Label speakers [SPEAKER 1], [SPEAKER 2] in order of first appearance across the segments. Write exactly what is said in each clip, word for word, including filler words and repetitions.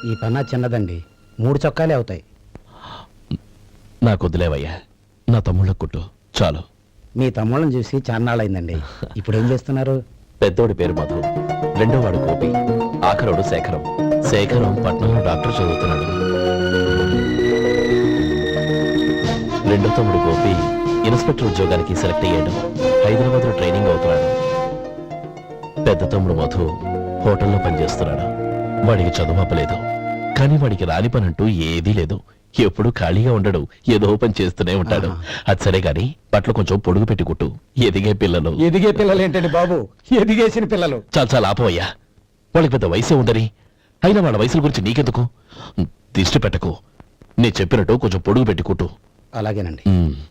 [SPEAKER 1] ఈ పన్నా చిన్నదండి, మూడు చొక్కాలే అవుతాయి.
[SPEAKER 2] నాకు వదిలేవయ్యా, నా తమ్ముళ్ళ కుట్టు చాలు.
[SPEAKER 1] మీ తమ్ముళ్ళని చూసి చాన్నాళ్ళైందండి. ఇప్పుడు ఏం చేస్తున్నారు?
[SPEAKER 2] పెద్దోడి పేరు మధు, రెండో వాడు గోపి, ఆఖరోడు శేఖరం. శేఖరం పట్నంలో డాక్టర్ చదువుతున్నాడు. రెండో తమ్ముడు గోపి ఇన్స్పెక్టర్ ఉద్యోగానికి సెలెక్ట్ అయ్యాడు, హైదరాబాద్ లో ట్రైనింగ్ అవుతున్నాడు. పెద్ద తమ్ముడు మధు హోటల్లో పనిచేస్తున్నాడు. వాడికి చదువు అప్పలేదు, కానీ వాడికి రాని పని అంటూ ఏదీ లేదు. ఎప్పుడు ఖాళీగా ఉండడు, ఏదో పని చేస్తూనే ఉంటాడు. అది సరే గాని బట్టలు కొంచెం పొడుగు పెట్టి కుట్టు. ఎదిగే పిల్లలు.
[SPEAKER 1] ఎదిగే పిల్లలు ఏంటండి బాబు, ఎదిగేసిన పిల్లలు.
[SPEAKER 2] చాలా చాలా ఆపవయ్యా, వాళ్ళకి పెద్ద వయసే ఉందని. అయినా వాళ్ళ వయసుల గురించి నీకెందుకు? దిష్టి పెట్టకు, నేను చెప్పినట్టు కొంచెం పొడుగు పెట్టి కుట్టు.
[SPEAKER 1] అలాగేనండి.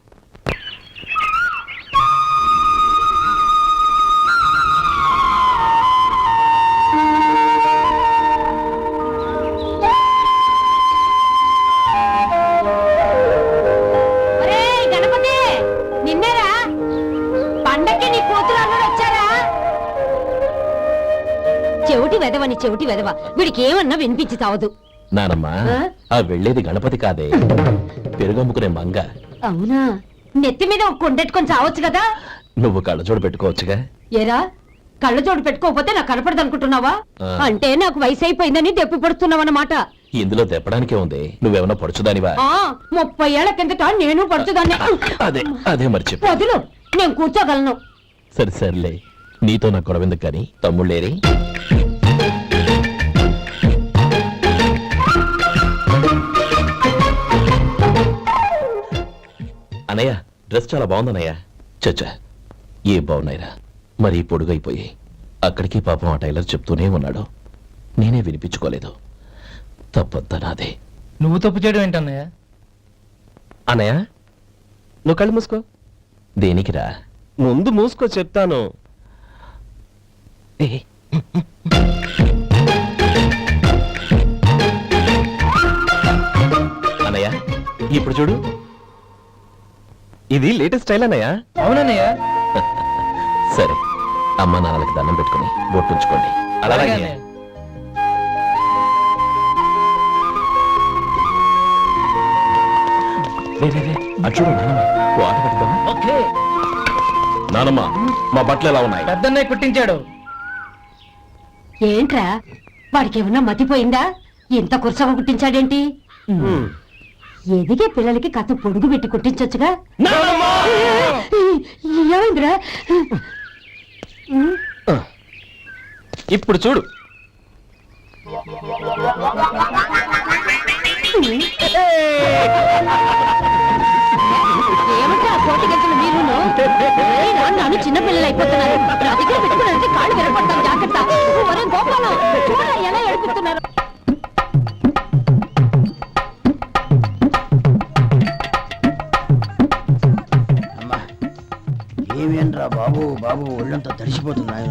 [SPEAKER 3] చెవిటి వెదవని చెవిటి వెదవ, వీడికి ఏమన్నా వినిపించి తావదు.
[SPEAKER 2] నానమ్మా, ఆ వెళ్ళేది గణపతి కాదే, పెరుగమ్ముకునే మంగ.
[SPEAKER 3] అవునా? నెత్తి మీద ఒక కొండెట్టుకొని చావచ్చు కదా.
[SPEAKER 2] నువ్వు కళ్ళజోడు పెట్టుకోవచ్చుగా.
[SPEAKER 3] ఏరా, కళ్ళజోడు పెట్టుకోకపోతే నాకు కనపడదు అనుకుంటున్నావా? అంటే నాకు వయసు అయిపోయిందని దెప్పి పడుతున్నావన్నమాట.
[SPEAKER 2] ఇందులో దెప్పడానికే ఉంది, నువ్వేమన్నా పడుచుదానివా?
[SPEAKER 3] ముప్పై ఏళ్ల కిందట నేను పడుచుదాన్ని.
[SPEAKER 2] అదే అదే మర్చి
[SPEAKER 3] వదులు, నేను కూర్చోగలను.
[SPEAKER 2] సరే సర్లే, నీతో నాకు గొడవెందుకు కానీ. తమ్ముళ్ళేరి? అనయ్య, డ్రెస్ చాలా బాగుందన్నయ్య. చచ్చా, ఏ బాగున్నాయిరా, మరీ పొడుగైపోయి. అక్కడికి పాపం ఆ టైలర్ చెప్తూనే ఉన్నాడు, నేనే వినిపించుకోలేదు. తప్పంతా నాదే.
[SPEAKER 4] నువ్వు తప్పు చేయడం ఏంటన్నయ్య?
[SPEAKER 2] అన్నయ్య, నువ్వు కళ్ళు మూసుకో. దేనికిరా?
[SPEAKER 5] ముందు మూసుకో చెప్తాను.
[SPEAKER 2] అన్నయ్య, ఇప్పుడు చూడు,
[SPEAKER 5] ఇది లేటెస్ట్ స్టైల్ అన్నయ్య.
[SPEAKER 4] అవునన్నయ్య.
[SPEAKER 2] సరే, అమ్మా నాన్నలకి దండం పెట్టుకుని బొట్టుంచుకోండి. అలాగే చూడు నానమ్మ, ఓ ఆట పెడతావా?
[SPEAKER 4] ఓకే.
[SPEAKER 2] నానమ్మ, మా బట్టలు ఎలా ఉన్నాయి?
[SPEAKER 4] పెద్దన్నయ్య కుట్టించాడు.
[SPEAKER 3] ఏంట్రా, వాడికి ఏమన్నా మతిపోయిందా? ఇంత కుర్చగా కుట్టించాడేంటి? ఎదిగే పిల్లలకి కథ పొడుగు పెట్టి కుట్టించొచ్చుగా. ఏమైందిరా?
[SPEAKER 5] ఇప్పుడు చూడు.
[SPEAKER 3] ఏమంటే ఆ కోటి గంటలు మీరు నన్ను చిన్న పిల్లలు అయిపోతున్నారు. నా దగ్గర పెట్టుకున్నారంటే కాళ్ళు వినపడతాను, జాగ్రత్త. ఒరే గోపాలం, చూడరా ఎలా ఏడిపిస్తున్నారు.
[SPEAKER 1] ఏమేంట్రా బాబు, బాబు ఒళ్ళంతా తడిసిపోతున్నాయి.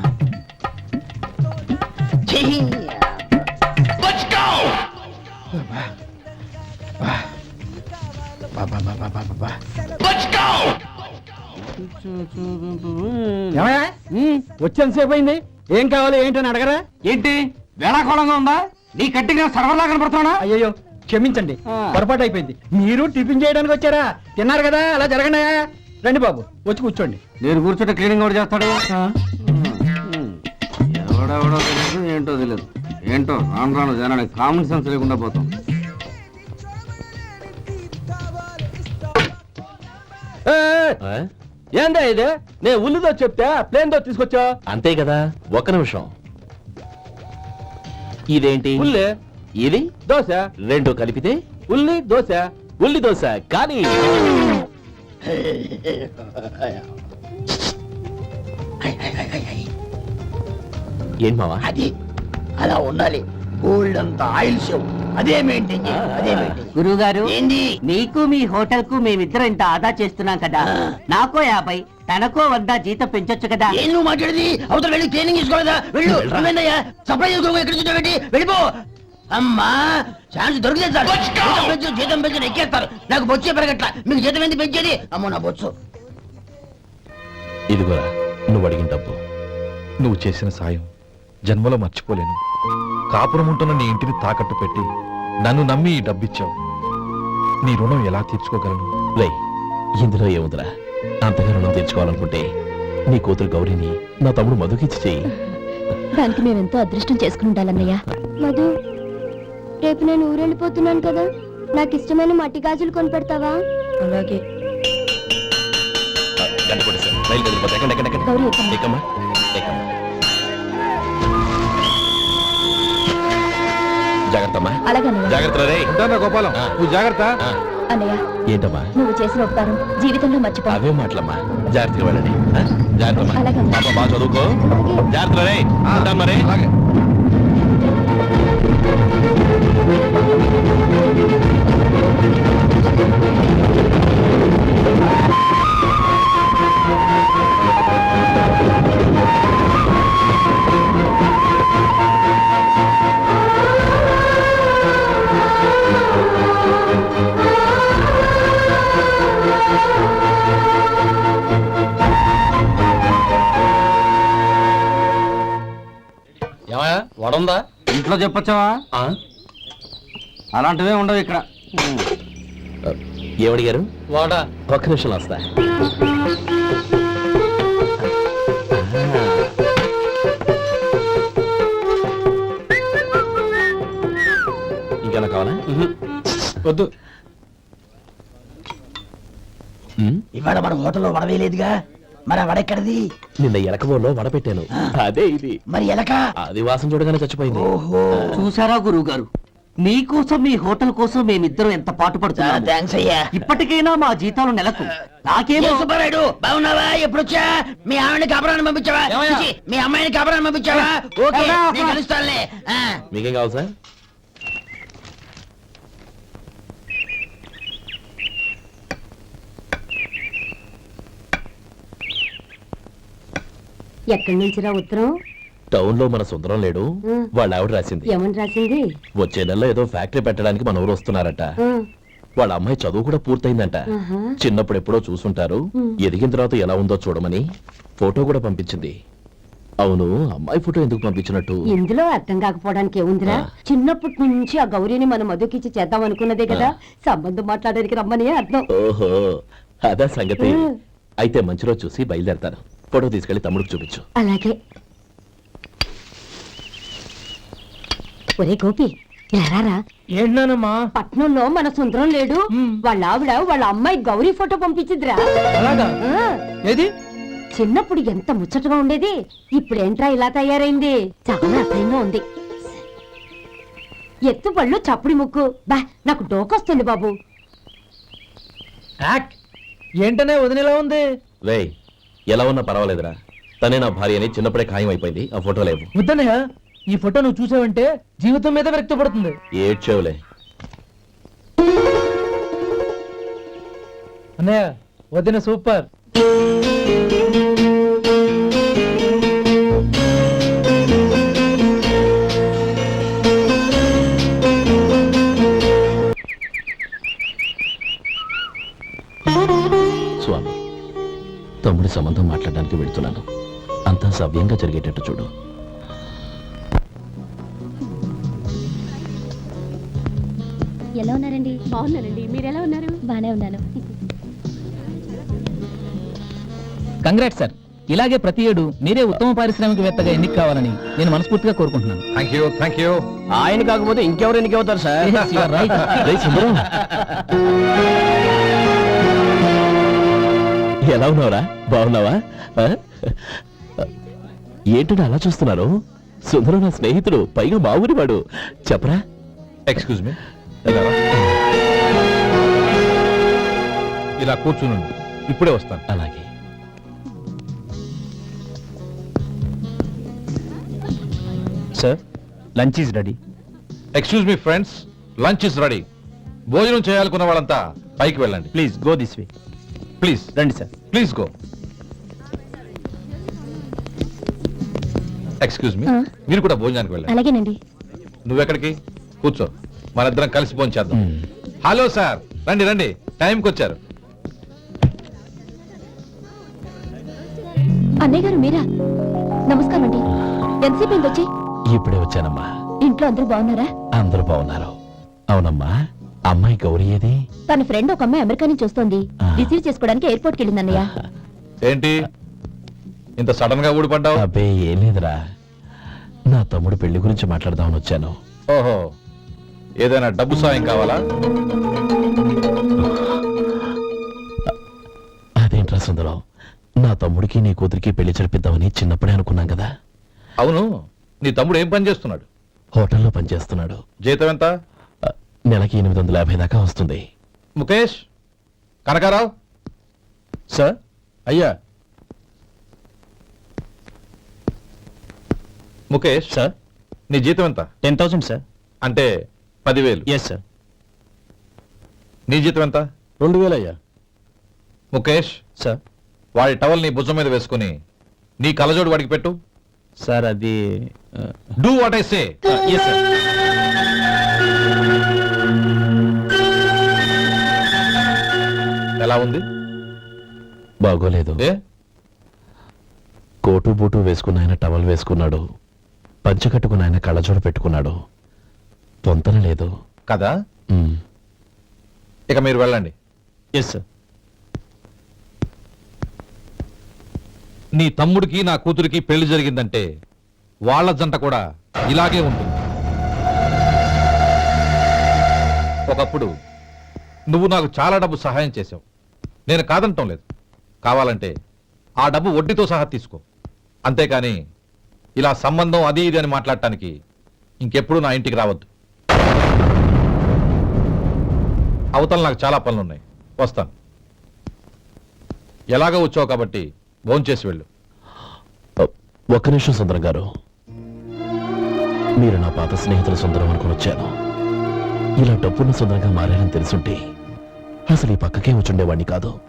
[SPEAKER 1] వచ్చేంతసేపు అయింది, ఏం కావాలి ఏంటని అడగరా?
[SPEAKER 4] ఏంటి వేళాకోళంగా ఉందా? నీ కట్టిగా సర్వర్లా కనపడుతున్నా?
[SPEAKER 1] అయ్యో క్షమించండి, పొరపాటు అయిపోయింది. మీరు టిఫిన్ చేయడానికి వచ్చారా? తిన్నారు కదా, అలా జరగండి. రండి బాబు, వచ్చి కూర్చోండి.
[SPEAKER 4] నేను కూర్చుంటే క్లీనింగ్ కూడా చేస్తాడు. ఎవడెవడో తెలియదు, ఏంటో తెలియదు. ఏంటో రాను రాను జనానికి కామన్ సెన్స్ లేకుండా పోతాం.
[SPEAKER 5] ఏందా ఇది? నేను ఉల్లిదో చెప్తే ప్లేన్ దో తీసుకొచ్చా.
[SPEAKER 2] అంతే కదా. ఒక్క నిమిషం, ఇదేంటి?
[SPEAKER 5] ఉల్లి.
[SPEAKER 2] ఇది
[SPEAKER 5] దోశ.
[SPEAKER 2] రెండు కలిపితే
[SPEAKER 5] ఉల్లి దోశ.
[SPEAKER 2] ఉల్లి దోశ. కానీ ఏం మావా?
[SPEAKER 1] అది అలా ఉండాలి. గోల్డ్ అంత ఆయిల్ షో అదే మెయింటైన్ చేయాలి, అదే మెయింటైన్.
[SPEAKER 6] గురువు గారు,
[SPEAKER 1] ఏంది?
[SPEAKER 6] మీకు మీ హోటల్ కు మేమిద్దరం ఇంత ఆదా చేస్తున్నాం కదా, నాకో యాభై తనకో వంద జీతం పెంచొచ్చు కదా.
[SPEAKER 1] ఏం నువ్వు మాట్లాడేది? అవతల వెళ్ళి ట్రైనింగ్ తీసుకోలేదా? వెళ్ళు. నువ్వేందయ్యా సప్లై చేసుకో, ఎక్కడ చూడబెట్టి వెళ్ళిపో. అమ్మా, ఛాన్స్ దొరికితే సార్ జీతం పెంచు, జీతం పెంచు ఎక్కేస్తారు. నాకు బొచ్చే పెరగట్ల, మీకు జీతం ఎందుకు పెంచేది? అమ్మో నా బొచ్చు.
[SPEAKER 2] ఇదిగోరా నువ్వు అడిగిన డబ్బు.
[SPEAKER 7] నువ్వు చేసిన సాయం జన్మలో మర్చిపోలేను. కాపురం ఉంటున్న నీ ఇంటిని తాకట్టు పెట్టి నన్ను నమ్మి ఈ డబ్బిచ్చావు. నీ రుణం ఎలా తీర్చుకోగలను?
[SPEAKER 2] రే ఇందులో ఏముందిరా, అంతగా రుణం తెచ్చుకోవాలనుకుంటే నీ కూతురు గౌరీని నా తమ్ముడు మధుకిచ్చి చెయ్యి.
[SPEAKER 3] దానికి మేమెంతో అదృష్టం చేసుకుని ఉండాలన్నయ్య. మధు, రేపు నేను ఊరెళ్ళిపోతున్నాను కదా, నాకు ఇష్టమైన మట్టి గాజులు కొనిపెడతావా? అలాగే.
[SPEAKER 2] గంట కొట్టేశారు. రైలు కదిలిపోతే ఎక్కండి, ఎక్కండి, ఎక్కండి.
[SPEAKER 3] గౌరీ, ఎక్కమ్మా.
[SPEAKER 2] ఎక్కమ్మా, ఎక్కమ్మా. జాగ్రత్తమ్మా.
[SPEAKER 3] అలాగే అన్నయ్య.
[SPEAKER 2] జాగ్రత్త రే.
[SPEAKER 7] ఉంటానా గోపాలం,
[SPEAKER 2] ఆ.
[SPEAKER 7] నువ్వు జాగ్రత్త.
[SPEAKER 2] ఆ,
[SPEAKER 3] అన్నయ్య,
[SPEAKER 2] ఏంటమ్మా
[SPEAKER 3] నువ్వు చేసిన ఉపకారం జీవితంలో మర్చిపో.
[SPEAKER 2] అవే మాటలమ్మా, జాగ్రత్తగా వెళ్ళండి. ఆ, జాగ్రత్తమ్మా.
[SPEAKER 3] అలాగే.
[SPEAKER 2] పాప బాగా చదువుకో. జాగ్రత్త రే. ఉంటాను మరి.
[SPEAKER 7] అలాగే.
[SPEAKER 5] ఏమయ్యా వడుందా?
[SPEAKER 4] ఇంట్లో చెప్పొచ్చావా? అలాంటివే ఉండవు ఇక్కడ.
[SPEAKER 2] ఏమడిగారు?
[SPEAKER 5] వాడా
[SPEAKER 2] ఒక్క నిమిషం వస్తా. ఇంకేనా కావాలా?
[SPEAKER 5] వద్దు.
[SPEAKER 2] ఉమ్,
[SPEAKER 1] ఇవాళ మన హోటల్లో వడవేయలేదుగా, మరి ఆ వడెక్కడిది?
[SPEAKER 2] నిన్న ఎలకబోలో వడ పెట్టాను. అదే ఇది.
[SPEAKER 1] మరి ఎలక?
[SPEAKER 2] అది వాసన చూడగానే చచ్చిపోయింది.
[SPEAKER 1] ఓహో,
[SPEAKER 6] చూసారా గురువు గారు, మీకోసం మీ హోటల్ కోసం మేమిద్దరం ఎంత పాటు పడుతున్నాము.
[SPEAKER 1] థ్యాంక్స్ అయ్యా.
[SPEAKER 6] ఇప్పటికైనా మా జీతాలు నెలకు నాకేమో.
[SPEAKER 1] ఏ సుబ్బారాయుడు, బాగున్నావా? ఎప్పుడొచ్చా? మీ ఆవిడని కాపురాన్ని పంపించావా?
[SPEAKER 5] ఏమయ్యా?
[SPEAKER 1] చిచి, మీ అమ్మాయిని కాపురాన్ని పంపించావా? ఓకే,
[SPEAKER 6] ఏమయ్యా?
[SPEAKER 1] నేను కలుస్తానులే. ఆ.
[SPEAKER 2] మీకేం కావాలి సార్?
[SPEAKER 3] ఎక్కడి నుంచిరా ఉత్తరం?
[SPEAKER 2] టౌన్ లో మన సుందరం లేడు, వాళ్ళ ఆవిడ రాసింది.
[SPEAKER 3] ఏమని రాసింది?
[SPEAKER 2] వచ్చే నెలలో ఏదో ఫ్యాక్టరీ పెట్టడానికి మన ఊరు వస్తున్నారట. వాళ్ళ అమ్మాయి చదువు కూడా పూర్తయిందంట. చిన్నప్పుడు ఎప్పుడో చూసుంటారు, ఎదిగిన తర్వాత ఎలా ఉందో చూడమని ఫోటో కూడా పంపించింది. అవును, అమ్మాయి ఫోటో ఎందుకు పంపించినట్టు?
[SPEAKER 3] ఇందులో అర్థం కాకపోవడానికి ఏముందిరా, చిన్నప్పటి నుంచి ఆ గౌరీని మనం మధుకిచ్చి చేద్దాం అనుకున్నదే కదా, సంబంధం మాట్లాడడానికి రమ్మని అర్థం.
[SPEAKER 2] ఓహో, అదా సంగతి. అయితే మంచి రోజు చూసి బయలుదేరతాను. ఫోటో తీసుకెళ్లి తమ్ముడికి చూపించు.
[SPEAKER 3] అలాగే. ఒరే గోపి, ఇలా రారా.
[SPEAKER 5] ఏంటన్నానమ్మా?
[SPEAKER 3] పట్నంలో మన సుందరం లేడు, వాళ్ళ ఆవిడ వాళ్ళ అమ్మాయి గౌరీ ఫోటో పంపించిద్రా.
[SPEAKER 5] అలాగా?
[SPEAKER 3] ఆ,
[SPEAKER 5] ఏది?
[SPEAKER 3] చిన్నప్పుడు ఎంత ముచ్చటగా ఉండేది, ఇప్పుడేంట్రా ఇలా తయారైంది? చాలా అసహ్యంగా ఉంది. ఎత్తు పళ్ళు చప్పుడి ముక్కు, బా నాకు డోకొస్తుంది బాబు.
[SPEAKER 5] యాక్ ఏంటనే వదినేలా ఉంది?
[SPEAKER 2] వేయ్, ఎలా ఉన్నా పర్వాలేదురా. తనే నా భార్య అని చిన్నప్పుడే ఖాయం అయిపోయింది. ఆ ఫోటో లేవు.
[SPEAKER 5] వద్దన్నయ్య, ఈ ఫోటో నువ్వు చూసావంటే జీవితం మీద వ్యక్తపడుతుంది.
[SPEAKER 2] ఏడ్చేవులే.
[SPEAKER 5] అన్నయ్య, వదిన సూపర్.
[SPEAKER 2] స్వామి, తమ్ముడి సంబంధం మాట్లాడడానికి వెళ్తున్నాను. అంతా సవ్యంగా జరిగేటట్టు చూడు.
[SPEAKER 3] ఎలా ఉన్నారండి? బాగున్నానండి. మీరు ఎలా ఉన్నారు? బానే ఉన్నాను.
[SPEAKER 8] Congrats sir. ఇలాగే ప్రతి ఏడు మీరే ఉత్తమ పారిశ్రామికవేత్తగా ఎన్నిక కావాలని నేను మనస్ఫూర్తిగా కోరుకుంటున్నాను.
[SPEAKER 7] Thank you thank you.
[SPEAKER 5] ఆయన కాకపోతే ఇంకెవరు ఎన్నికవుతారు sir?
[SPEAKER 8] Yes, you are right.
[SPEAKER 2] రేయ్ సుందరం, ఎలా ఉన్నావురా? బాగున్నావా? ఆ? ఏంటంటే అలా చూస్తున్నారు? సుందరం నా స్నేహితుడు, పైగా మా ఊరి వాడు. చెప్పరా?
[SPEAKER 7] ఎక్స్క్యూజ్ మీ, ఇలా కూర్చున్నాను, ఇప్పుడే వస్తాను.
[SPEAKER 2] అలాగే.
[SPEAKER 8] Sir, lunch is ready.
[SPEAKER 7] Excuse me friends, lunch is ready. భోజనం చేయాలనుకున్న వాళ్ళంతా పైకి వెళ్ళండి.
[SPEAKER 8] Please go this way.
[SPEAKER 7] Please
[SPEAKER 8] రండి sir.
[SPEAKER 7] Please go. Excuse me,
[SPEAKER 3] ఆ.
[SPEAKER 7] మీరు కూడా భోజనానికి వెళ్ళండి.
[SPEAKER 3] అలాగేనండి.
[SPEAKER 7] నువ్వెక్కడికి? కూర్చో, మనిద్దరం కలిసి భోజనం చేద్దాం.
[SPEAKER 2] మ్మ్.
[SPEAKER 7] హలో సార్, రండి రండి, టైంకి వచ్చారు.
[SPEAKER 3] అన్నయ్య గారు మీరా? నమస్కారం అండి. ఎంతసేపు అయింది వచ్చి?
[SPEAKER 2] ఇప్పుడే వచ్చానమ్మా.
[SPEAKER 3] ఇంట్లో ఇంట్లో అందరూ బాగున్నారా?
[SPEAKER 2] అందరూ బాగున్నారు. అవునమ్మా, అమ్మాయి గౌరీ ఏది?
[SPEAKER 3] తన ఫ్రెండ్ ఒక అమ్మాయి అమెరికా నుంచి వస్తోంది.
[SPEAKER 2] ఆ.
[SPEAKER 3] రిసీవ్ చేసుకోవడానికి ఎయిర్పోర్ట్ కి వెళ్ళిందన్నయ్య.
[SPEAKER 7] ఏంటి ఇంత సడన్ గా ఊడిపడ్డావు?
[SPEAKER 2] అబ్బే ఏం లేదురా, నా తమ్ముడు పెళ్లి గురించి మాట్లాడదామని వచ్చాను.
[SPEAKER 7] ఓహో, ఏదైనా డబ్బు సాయం కావాలా?
[SPEAKER 2] అదేంట్రా సుందరం, నా తమ్ముడికి నీ కూతురికి పెళ్లి జరిపిద్దామని చిన్నప్పుడే అనుకున్నాం కదా.
[SPEAKER 7] అవును, నీ తమ్ముడు ఏం పని చేస్తున్నాడు?
[SPEAKER 2] హోటల్లో పనిచేస్తున్నాడు.
[SPEAKER 7] జీతం ఎంత?
[SPEAKER 2] ఆ, నెలకి ఎనిమిది వందల యాభై దాకా వస్తుంది.
[SPEAKER 7] ముఖేష్, కనకారావు.
[SPEAKER 5] సార్.
[SPEAKER 7] అయ్యా ముఖేష్,
[SPEAKER 5] సార్.
[SPEAKER 7] నీ జీతం ఎంత?
[SPEAKER 5] Ten thousand sir.
[SPEAKER 7] అంటే పదివేలు.
[SPEAKER 5] Yes sir.
[SPEAKER 7] నీ జీతం ఎంత?
[SPEAKER 5] రెండు వేలు అయ్యా.
[SPEAKER 7] ముఖేష్,
[SPEAKER 5] సార్.
[SPEAKER 7] వాడి టవల్ నీ భుజం మీద వేసుకుని నీ కలజోడు వాడికి పెట్టు.
[SPEAKER 5] సార్ అది
[SPEAKER 7] do what I say.
[SPEAKER 5] Yes sir.
[SPEAKER 7] ఎలా ఉంది?
[SPEAKER 2] బాగోలేదు.
[SPEAKER 7] ఏ
[SPEAKER 2] కోటు బూటు వేసుకున్న ఆయన టవల్ వేసుకున్నాడు, పంచ కట్టుకున్న ఆయన కళ్ళజోడు పెట్టుకున్నాడు. పొంతన లేదు
[SPEAKER 7] కదా?
[SPEAKER 2] ఉమ్.
[SPEAKER 7] ఇక మీరు వెళ్ళండి.
[SPEAKER 5] Yes sir.
[SPEAKER 7] నీ తమ్ముడికి నా కూతురికి పెళ్లి జరిగిందంటే వాళ్ళ జంట కూడా ఇలాగే ఉంటుంది. ఒకప్పుడు నువ్వు నాకు చాలా డబ్బు సహాయం చేశావు, నేను కాదంటం లేదు. కావాలంటే ఆ డబ్బు వడ్డీతో సహా తీసుకో. అంతేకాని ఇలా సంబంధం అది ఇది అని మాట్లాడటానికి ఇంకెప్పుడు నా ఇంటికి రావద్దు. అవతల నాకు చాలా పనులున్నాయి, వస్తాను. ఎలాగో వచ్చావు కాబట్టి భోంచేసి వెళ్ళు.
[SPEAKER 2] ఒక్క నిమిషం సుందరం గారు, మీరు నా పాత స్నేహితుల సుందరం అనుకుని వచ్చాను. ఇలా డబ్బున్న సుందరంగా మారారని తెలుసుంటే అసలు ఈ పక్కకే వచ్చుండేవాడిని కాదు.